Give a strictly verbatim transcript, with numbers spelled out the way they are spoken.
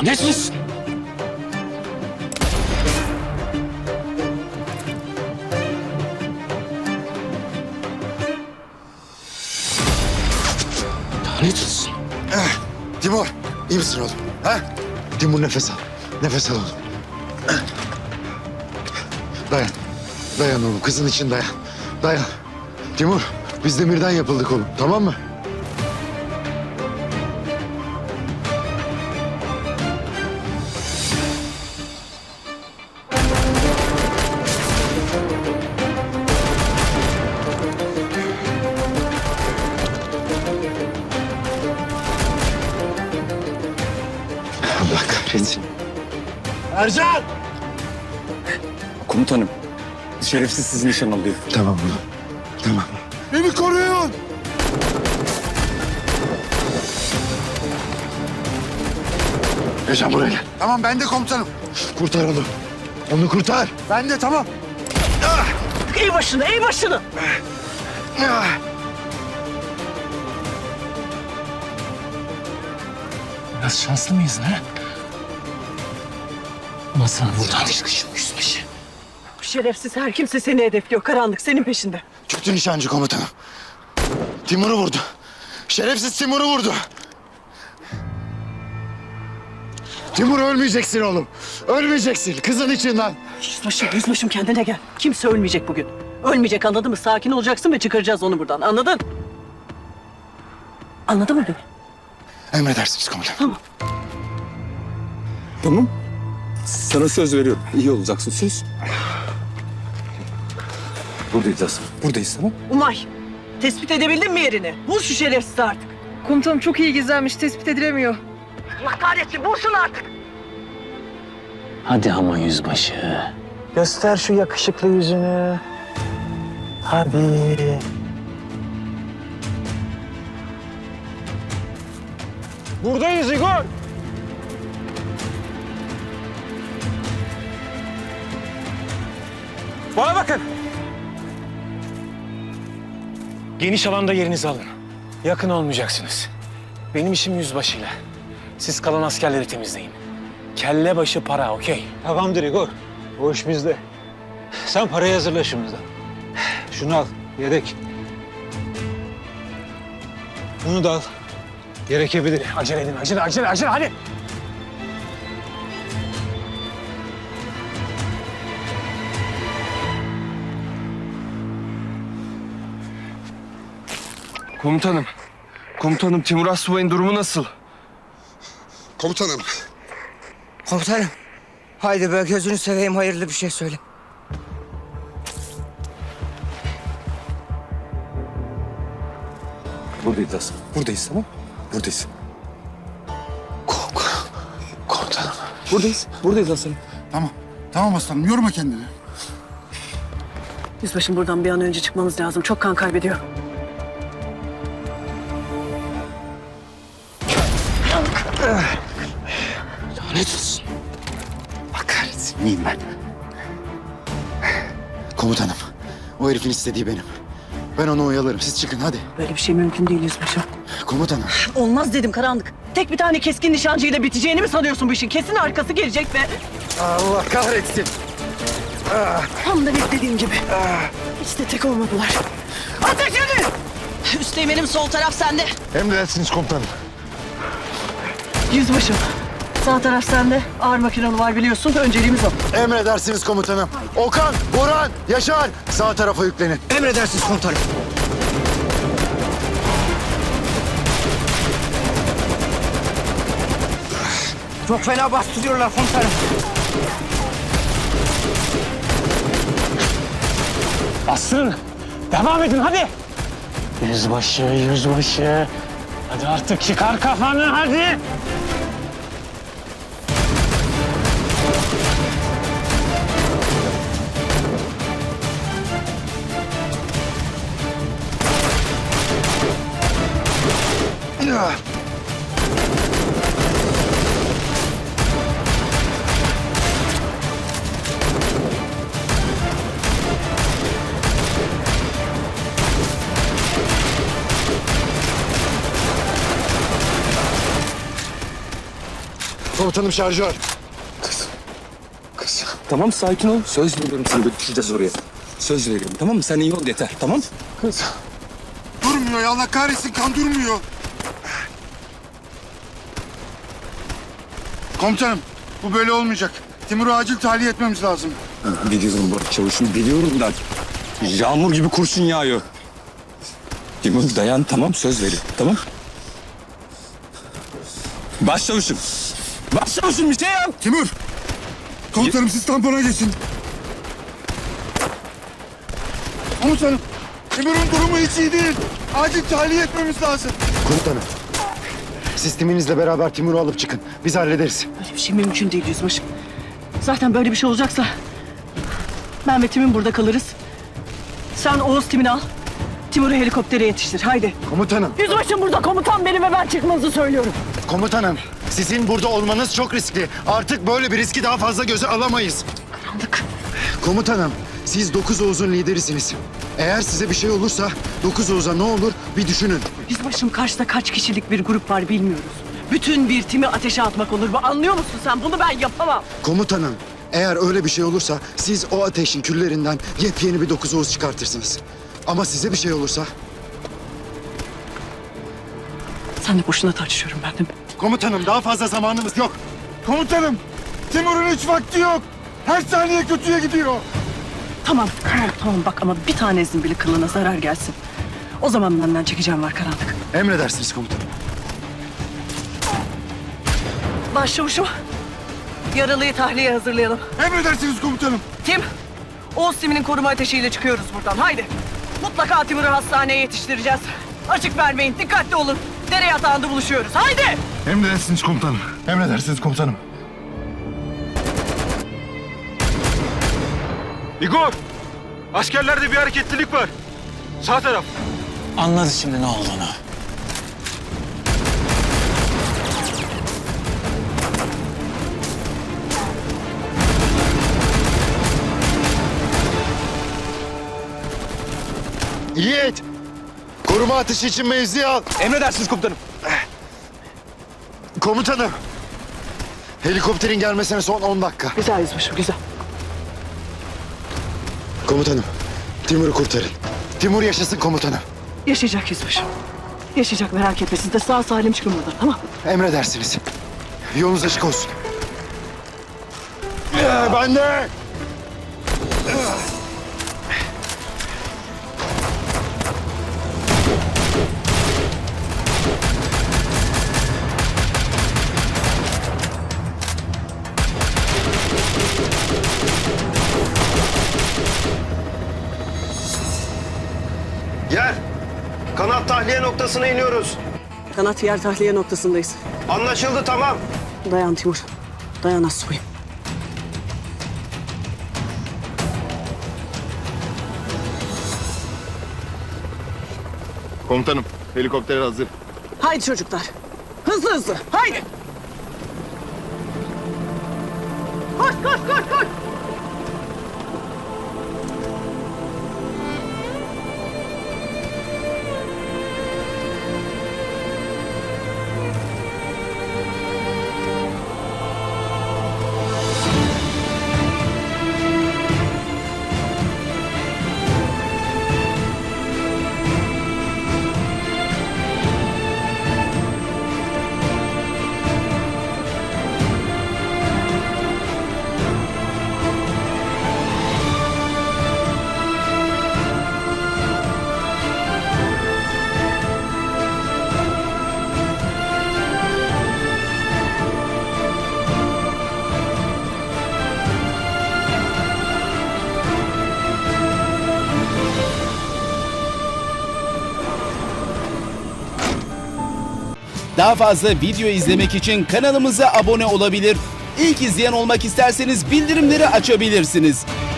Lanet olsun. Lanet olsun. Eh, Timur, iyi misin oğlum? Ha? Timur nefes al. Nefes al oğlum. Eh. Dayan. Dayan oğlum. Kızın için dayan. Dayan. Timur, biz demirden yapıldık oğlum. Tamam mı? Allah kahretsin. Ercan! Komutanım, şerefsiz sizi nişan alıyor. Tamam oğlum. Tamam. Beni koruyun. Yaşan buraya gel. Tamam ben de komutanım. Kurtar onu. Onu kurtar. Ben de tamam. İyi başını, iyi başını. Ah! Biraz şanslı mıyız ha? Ama sana buradan çıkışım yüzbaşı. Şerefsiz her kimse seni hedefliyor. Karanlık senin peşinde. Kötü nişancı komutanım. Timur'u vurdu. Şerefsiz Timur'u vurdu. Timur ölmeyeceksin oğlum. Ölmeyeceksin. Kızın içinden. Yüzbaşım, yüzbaşım kendine gel. Kimse ölmeyecek bugün. Ölmeyecek, anladın mı? Sakin olacaksın ve çıkaracağız onu buradan. Anladın? Anladın mı beni? Emredersiniz komutanım. Tamam. Tamam. Sana söz veriyorum. İyi olacaksın, söz. Buradayız Asım. Buradayız, tamam. Umay, tespit edebildin mi yerini? Bul şu şerefsizi artık. Komutanım çok iyi gizlenmiş, tespit edilemiyor. Allah kahretsin, bulsun artık. Hadi ama yüzbaşı. Göster şu yakışıklı yüzünü. Hadi. Buradayız Igor. Bana bakın. Geniş alanda yerinizi alın. Yakın olmayacaksınız. Benim işim yüzbaşıyla. Siz kalan askerleri temizleyin. Kelle başı para, okey? Tamamdır Igor. O iş bizde. Sen parayı hazırla şimdiden. Şunu al, yedek. Bunu da al. Gerekebilir. Acele edin, acele, acele, acele, hadi. Komutanım. Komutanım Timur Asubay'ın durumu nasıl? Komutanım. Komutanım. Haydi be gözünü seveyim hayırlı bir şey söyle. Buradayız Asım. Buradayız, tamam. Buradayız. Komutanım. Buradayız, buradayız Asım. Tamam. Tamam aslanım yorma kendini. Yüzbaşım buradan bir an önce çıkmamız lazım. Çok kan kaybediyor. Lanet olsun. Allah kahretsin. Neyim ben? Komutanım. O herifin istediği benim. Ben onu oyalarım. Siz çıkın hadi. Böyle bir şey mümkün değil yüzbaşım. Komutanım. Olmaz dedim Karanlık. Tek bir tane keskin nişancıyla biteceğini mi sanıyorsun bu işin? Kesin arkası gelecek ve Allah kahretsin. tam da beklediğim gibi. Hiç de tek olmadılar. Ateş edin! Üsteğmenim sol taraf sende. Emredersiniz komutanım. Yüzbaşım. Sağ taraf sende. Ağır makinalı var biliyorsun. Önceliğimiz o. Emredersiniz komutanım. Okan, Boran, Yaşar sağ tarafa yüklenin. Emredersiniz komutanım. Çok fena bastırıyorlar komutanım. Bastırın. Devam edin, hadi. Yüzbaşı, yüzbaşı. Hadi artık çıkar kafanı, hadi. Komutanım şarjör. Tamam sakin ol. Söz veriyorum sana götüreceğiz oraya. Söz veriyorum tamam mı? Sen iyi ol yeter tamam mı? Durmuyor ya, Allah kahretsin, kan durmuyor. Komutanım, bu böyle olmayacak. Timur'u acil tahliye etmemiz lazım. Biliyorum Burak Çavuş'um biliyorum da. Yağmur gibi kurşun yağıyor. Timur dayan tamam söz veriyorum tamam. Başçavuşum. Başçavuşum bir şey yap. Timur! Komutanım siz tampona geçin. Komutanım, Timur'un durumu hiç iyi değil. Acil tahliye etmemiz lazım. Komutanım. Siz timinizle beraber Timur'u alıp çıkın. Biz hallederiz. Böyle bir şey mümkün değil yüzbaşım. Zaten böyle bir şey olacaksa ben ve Tim'in burada kalırız. Sen Oğuz Tim'ini al. Timur'u helikoptere yetiştir. Haydi. Komutanım. Yüzbaşım burada, komutan benim ve ben çıkmanızı söylüyorum. Komutanım. Sizin burada olmanız çok riskli. Artık böyle bir riski daha fazla göze alamayız. Karanlık. Komutanım. Siz Dokuz Oğuz'un liderisiniz. Eğer size bir şey olursa Dokuz Oğuz'a ne olur bir düşünün. Yüzbaşım karşıda kaç kişilik bir grup var bilmiyoruz. Bütün bir timi ateşe atmak olur mu? Anlıyor musun sen? Bunu ben yapamam. Komutanım. Eğer öyle bir şey olursa siz o ateşin küllerinden yepyeni bir Dokuz Oğuz çıkartırsınız. Ama size bir şey olursa... Sen de boşuna tartışıyorum ben değil mi? Komutanım daha fazla zamanımız yok. Komutanım, Timur'un hiç vakti yok. Her saniye kötüye gidiyor. Tamam, tamam, tamam. Bak ama bir tanesinin bile kılına zarar gelsin. O zaman benden çekeceğim var karanlık. Emredersiniz komutanım. Başçavuşum, yaralıyı tahliye hazırlayalım. Emredersiniz komutanım. Tim, Oğuz Tim'inin koruma ateşiyle çıkıyoruz buradan. Haydi. Mutlaka Timur'u hastaneye yetiştireceğiz. Açık vermeyin, dikkatli olun. Dere yatağında buluşuyoruz. Haydi! Emredersiniz komutanım. Emredersiniz komutanım. Igor! Askerlerde bir hareketlilik var. Sağ taraf. Anladı şimdi ne olduğunu. Yiğit! Koruma ateşi için mevzi al. Emredersiniz komutanım. Komutanım. Helikopterin gelmesine son on dakika. Güzel yüzbaşım, güzel. Komutanım. Timur'u kurtarın. Timur yaşasın komutanım. Yaşayacak yüzbaşım. Yaşayacak, merak etme. Siz de sağ salim çıkın buradan, tamam? Emredersiniz. Yolunuz açık olsun. Ee, ben de. Yer. Kanat tahliye noktasına iniyoruz. Kanat yer tahliye noktasındayız. Anlaşıldı tamam. Dayan Timur. Dayan Assoy'um. Komutanım, helikopter hazır. Haydi çocuklar. Hızlı hızlı. Haydi. Koş koş koş koş. Daha fazla video izlemek için kanalımıza abone olabilir. İlk izleyen olmak isterseniz bildirimleri açabilirsiniz.